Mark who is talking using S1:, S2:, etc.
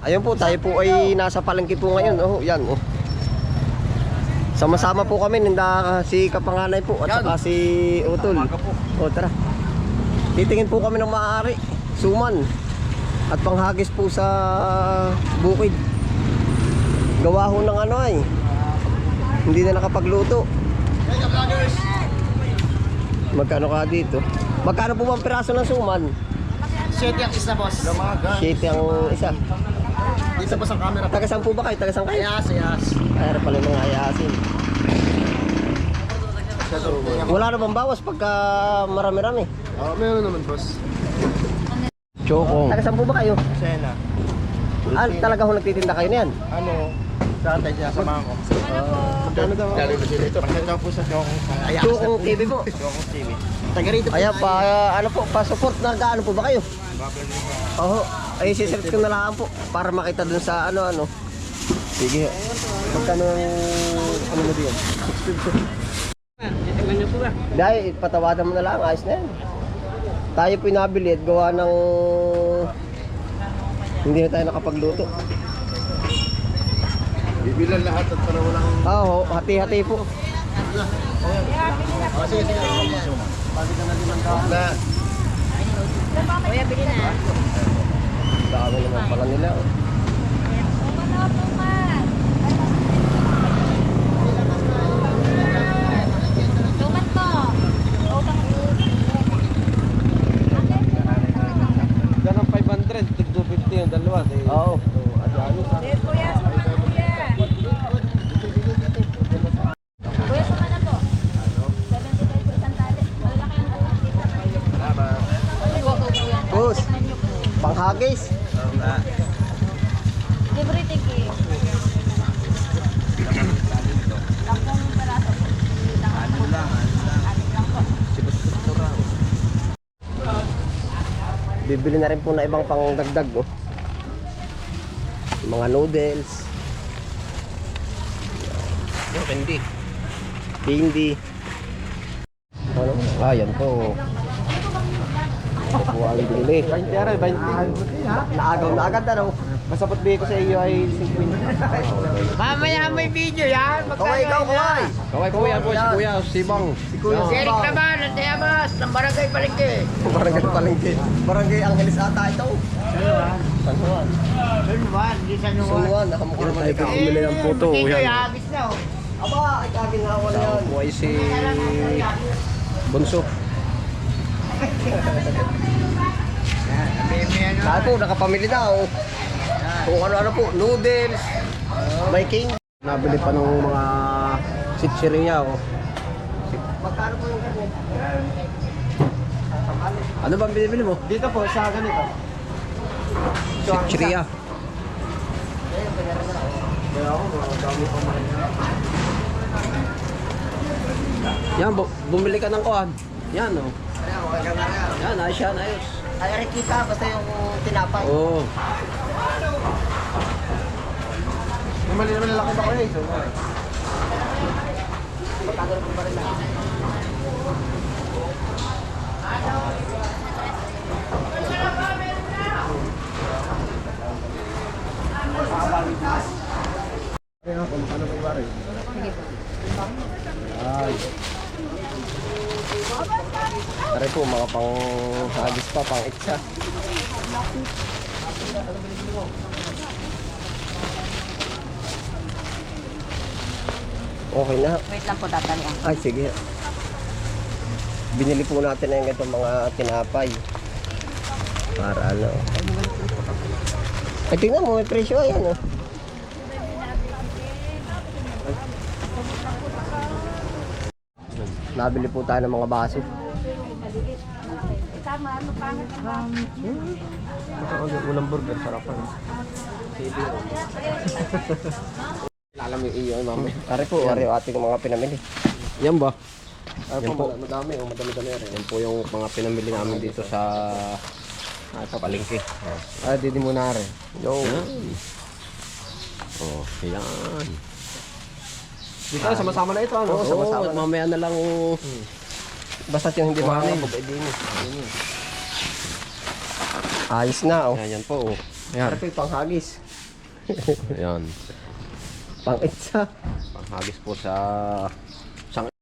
S1: Ayun po, tayo po ay nasa palengke po ngayon. Oh, yan. Oh. Sama-sama po kami, ninda si Kapanganay po at saka si Utol. O tara. Titingin po kami ng maaari, suman at panghagis po sa bukid. Gawa ho ng ano ay hindi na nakapagluto. Magkano ka dito? Magkano po bang piraso ng suman?
S2: 7 ang isa, boss.
S1: 7 ang isa.
S2: Dito po sa camera.
S1: Taga-saan po ba kayo? Taga-saan kayo?
S2: Ayas.
S1: Ay, pala mga ayasin. Wala na bang bawas pagka marami-rami?
S2: Oo, meron naman, boss.
S1: Chokong. Taga-saan po ba kayo?
S2: Sena.
S1: Talaga ho nagtitinda kayo niyan?
S2: Ano? Saan tayo sinasamahan ko? Magkano daw? Lalo na sila ito. Magkano daw po sa Chokong.
S1: Chokong TV po.
S2: Chokong TV. Taga rito po.
S1: Ayan pa, ano po, pa-support na gaano po ba kayo? Oo. Ay, sisearch ko na lang po para makita dun sa ano-ano. Sige. Magkano ano mo diyan? 650. Dahil patawadan mo na lang, ayos na yan. Tayo po nabili at gawa ng hindi na tayo nakapagluto.
S2: Bibilan lahat at para walang...
S1: Oo, hati-hati po.
S2: Sige. Bakit ka na limang daan?
S3: Kuya, bili na.
S1: Dami naman pala nila. Oh.
S3: Tumat po.
S4: Yan ang 500, tig 250 yung dalawa.
S1: Oo.
S3: Yes, kuya. Suma na, kuya. Kuya, suma na po. 75 po isang tali. Malaki ang ulo dito.
S1: Boss, panghagis.
S3: Libre tiki. Lampong peraso po. Ano lang po.
S1: Bibili na rin po na ibang pangdagdag, oh. Mga noodles.
S2: Hindi.
S1: Hindi. Ano? Yan po. Ito po ang binili.
S4: 20 aray, 20.
S1: Naagaw na agad ano.
S4: Masapot bigay ko sa iyo ay 50.
S5: Mamaya may video yan.
S1: Kaway, ikaw, kaway.
S4: Kaway kuya po, si kuya, sibang.
S1: Si Kuya
S5: Si Eric
S1: Sibang.
S5: naman, ang Tiamas, ng Barangay Palengke.
S1: Barangay Palengke. Barangay Angeles ata ito. San Juan.
S5: Sunwan, di sa
S1: San
S5: Nuwan.
S1: Juan. Nakamukha naman ikaw.
S4: Bumili ng puto,
S5: Video
S4: yan.
S5: yan, agis na oh.
S1: Aba, ay kaginawa na yan.
S4: Buhay si Bunso.
S1: Saan po, nakapamili na oh. Kung ano-ano po, noodles, may king.
S4: Nabili pa ng mga sitsiriya, oh.
S1: Magkano po yung ganyan?
S4: Ano bang binibili mo?
S2: Dito po, sa ganito.
S4: Sitsiriya.
S2: Kaya ako, dami pa man.
S4: Yan, bumili ka ng kuhan. Yan, oh. Yan, ayos yan, ayos.
S1: Ay, kita, basta yung tinapay.
S4: Oo.
S2: May mali naman lalaki ba ko eh.
S1: Magkano po ba rin lahat?
S2: Ano ba iba rin?
S1: Ay. Tara po, mga pang-hagis pa, pang-itsa. Okay na.
S3: Wait lang po, tatalian.
S1: Ay, sige. Binili po natin na yung ganitong mga tinapay. Para ano. Ay, tingnan mo, may presyo. Ayan, oh. Nabili po tayo ng mga baso.
S3: Tama, ano pangit ang
S4: Ulang burger, sarapan.
S1: Alam yung iyo, mami. Tari po, ari ating mga pinamili.
S4: Yan ba?
S1: Yan po.
S4: Madami, oh, madami-dami rin. Yan po yung mga pinamili namin dito sa palengke.
S1: Ah, didi mo na rin. Yo.
S4: Oh, yan.
S1: Dito, sama-sama na ito, ano?
S4: Oo,
S1: Sama-sama
S4: at
S1: na.
S4: mamaya na lang.
S1: Basta yung hindi
S4: Kuhanin.
S1: makakabog, eh, din. Ayos na, oh.
S4: Yan po. Oh. Yan.
S1: Para po yung panghagis.
S4: Ayan.
S1: Pang-itsa.
S4: Panghagis po sa